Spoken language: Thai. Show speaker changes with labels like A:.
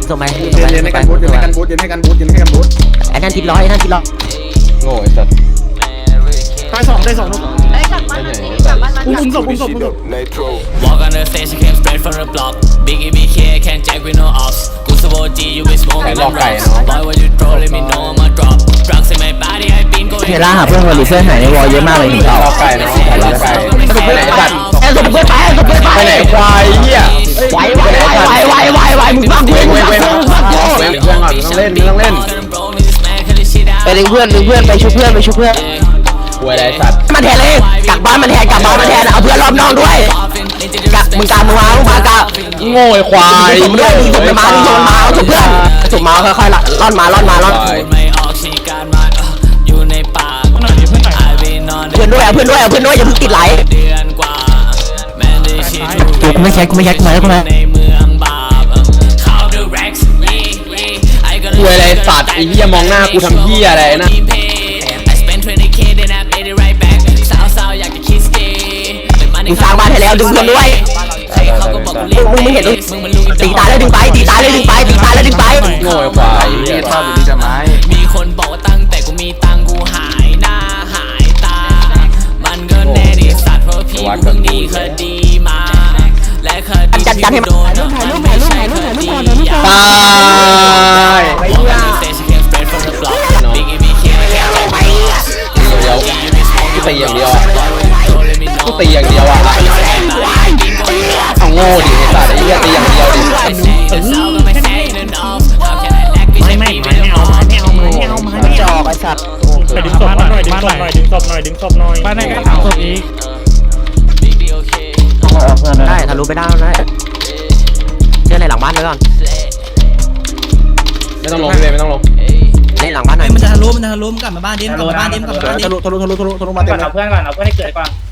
A: ทำไม
B: เย็นให้กันบูทเย็นให้กันบูทเย็นให้กันบูทเย็นให้กันบูท
A: ไอ้นั่นทิปร้อยไอ้นั่นทิปร้อย
C: โง่ไอ้สัตว์
B: ได้สองลูก
D: ได้กลับบ้านอุ้มศพ
E: Walk on the stage, I came straight from the block. Biggie BK, can't jack with no ops. Gusto G, you been smoking them rocks. Boy, what you throw, let me know I'ma drop. Drugs in my body, I been going.
A: เฮล่าหาเพื่อนคนรีเซ็ตหายในวอลเยอะมากเลยถึงเรา
C: ไก่เนาะไก่สมไปไหนสัตว์
A: แอนสมเพื่อนไปสมเพื่อนไป
C: ไปไหนควายเหี้ย
A: ไหวมึงบ้างเว้ยมึงบ้าง
C: เพื่อนก่อนต้องเล่น
A: ไปดึงเพื่อนไปชุบเพื่อน
C: หวยไรสัตว์
A: มันแทนเลยกลับบ้านมันแทนเอาเพื่อนรอบนอกด้วยมึงมากะ
C: โง่ไอ้ควาย
A: มึงมาเอาชุบเพื่อนชุบมาค่อยๆล่อนมาเพื่อนด้วยอย่าเพิ่งติดไหลกูไม่แช็กมาแล้วกูมา
C: หวยไรสัตว์ไอ้เหี้ยมองหน้ากูทำเหี้ยอะไรนะ
A: มึงสร้างบ้านให้แล้วดึงเพื่อนด้วยมึงเห็นตีตายแล้วดึงไป
C: โง่ไอ้ควาย
B: เนี่ยชอบอยู่ดีจะไม้
E: มีคนบอกว่าตั้งแต่กูมีตังกูหายหน้าหายตามันก็แน่ดิสัตว์เพราะพี่กูเพิ่งดีคดีมาและคดีที่โดนไม่ใช่คดียา
C: ตายกูตีอย่างเดียวเอาโง่ดิไอ้สัตว์ไอ้เหี้ยตีอย่างเดียวดิ
A: ไม่เอาจอกไอ้สัตว์
F: ไปดึงศพหน่อยบ้านไหนก็ถามศพอีก
A: ได้ทะลุไปได้เชื่อในหลังบ้านไว้ก่อน
C: ไม่ต้องลงพี่เบย์ไม่ต้องลง
A: ในหลังบ้านหน่อย
D: มันจะทะลุกลับมาบ้านดิม
B: ทะลุมาเต็ม
F: เอาเพื่อนก่อนให้เกิดก่อน